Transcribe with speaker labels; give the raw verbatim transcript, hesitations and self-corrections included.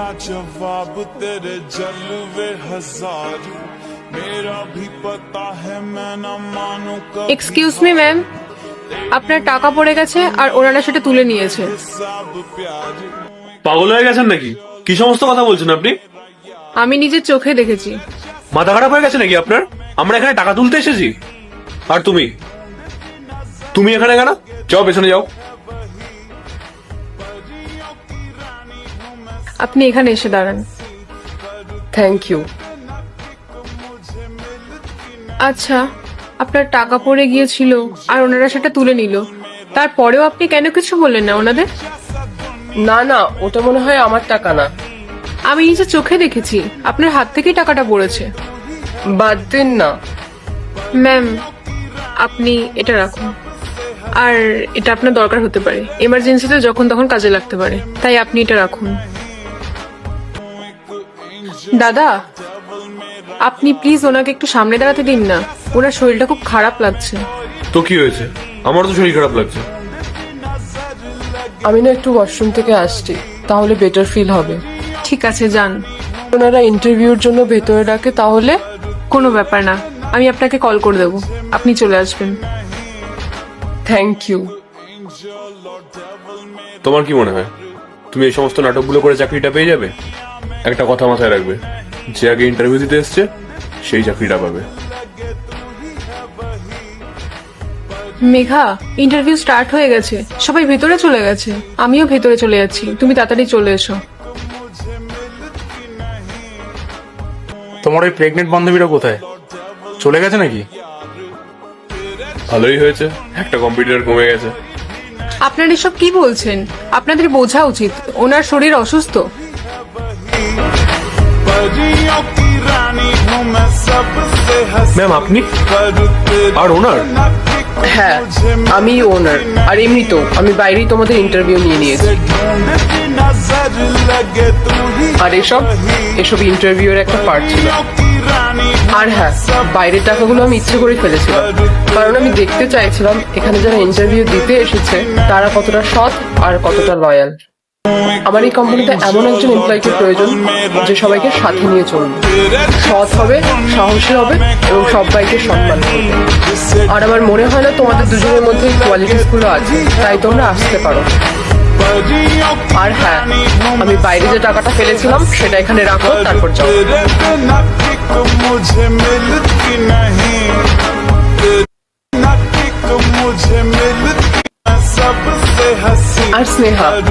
Speaker 1: ना जवाब तेरे जलवे हजार मेरा भी पता है मैं ना मानू कभी
Speaker 2: এক্সকিউজ মি ম্যাম, আপনার টাকা পড়ে গেছে আর ওনারা সেটা তুলে নিয়েছে।
Speaker 1: सब प्यार
Speaker 3: পাগল হয়ে গেছেন নাকি? কি সমস্ত কথা বলছেন আপনি?
Speaker 2: আমি নিজের চোখে দেখেছি।
Speaker 3: মাথা খারাপ হয়ে গেছে নাকি আপনার? আমরা এখানে টাকা তুলতে এসেছি। আর তুমি তুমি এখানে কেন? যাও পেছনে যাও।
Speaker 2: আপনি এখানে এসে দাঁড়ান।
Speaker 4: Thank you.
Speaker 2: আচ্ছা, আপনার টাকা পড়ে গিয়েছিল আর ওনারা সেটা তুলে নিল, তারপরেও আপনি কেন কিছু বললেন না ওনাদের?
Speaker 4: না না, ওটা মনে হয় আমার টাকা না।
Speaker 2: আমি নিজের চোখে দেখেছি আপনার হাত থেকেই টাকাটা পড়েছে।
Speaker 4: বাদ দিন না।
Speaker 2: ম্যাম, আপনি এটা রাখুন। আর এটা আপনার দরকার হতে পারে, এমার্জেন্সিতে যখন তখন কাজে লাগতে পারে, তাই আপনি এটা রাখুন। দাদা, আপনি প্লিজ ওনাকে একটু সামনে দাঁড়াতে দিন না, ওনার শরীরটা খুব খারাপ লাগছে।
Speaker 3: তো কি হয়েছে? আমার তো শরীর খারাপ লাগছে।
Speaker 4: আমি না একটু ওয়াশরুম থেকে আসছি, তাহলে বেটার ফিল হবে।
Speaker 2: ঠিক আছে, যান।
Speaker 4: ওনারা ইন্টারভিউর জন্য ভেতরে ডাকে তাহলে?
Speaker 2: কোনো ব্যাপার না, আমি আপনাকে কল করে দেবো, আপনি চলে আসবেন।
Speaker 4: Thank you.
Speaker 3: তোমার কি মনে হয় তুমি এই সমস্ত নাটকগুলো করে চাকরিটা পেয়ে যাবে? একটা কথা মাথায় রাখবে, যে আগে ইন্টারভিউ দিতে এসছে সেই চাকরিটা পাবে।
Speaker 2: মেঘা, ইন্টারভিউ স্টার্ট হয়ে গেছে, সবাই ভেতরে চলে গেছে, আমিও ভেতরে চলে যাচ্ছি, তুমি তাড়াতাড়ি চলে এসো।
Speaker 5: তোমার ওই প্রেগনেন্ট বান্ধবীরা কোথায়? চলে গেছে নাকি?
Speaker 3: ভালোই হয়েছে, একটা কম্পিউটার কমে গেছে।
Speaker 2: আপনারা এসব কি বলছেন? আপনাদের বোঝা উচিত ওনার শরীর অসুস্থ।
Speaker 1: परियों की रानी हूँ मैं सबसे हंसी
Speaker 3: ম্যাম আপনি
Speaker 1: पर तेरे
Speaker 3: আর ওনার?
Speaker 4: হ্যাঁ, আমি ওনার। আর এমনি তো আমি বাইরেই তোমাদের ইন্টারভিউ নিয়ে নিয়েছি।
Speaker 1: ढूंढती नजर लगे तू ही
Speaker 4: আর এসব এসব ইন্টারভিউর একটা পার্ট ছিল।
Speaker 1: की रानी
Speaker 4: আর হ্যাঁ, বাইরের টাকাগুলো আমি ইচ্ছে করে ফেলেছিলাম, কারণ আমি দেখতে চাইছিলাম এখানে যারা ইন্টারভিউ দিতে এসেছে তারা কতটা সৎ আর কতটা লয়াল। আমার এই কোম্পানিতে এমন একজন এমপ্লয়িকে প্রয়োজন যে সবাইকে সাথে নিয়ে চলবে, সৎ হবে, সাহসী হবে এবং সবাইকে সম্মান করবে। আর আমার মনে হয় না তোমাদের দুজনের মধ্যে এই কোয়ালিটিস গুলো আছে, তাই তোমরা আসতে পারো। আর হ্যাঁ, আমি বাইরে যে টাকাটা ফেলেছিলাম সেটা এখানে রাখো, তারপর যাও।
Speaker 1: तेरे बिना किक मुझे मिलती नहीं तेरे बिना किक मुझे मिलती मैं सबसे हंसी
Speaker 4: আর স্নেহা,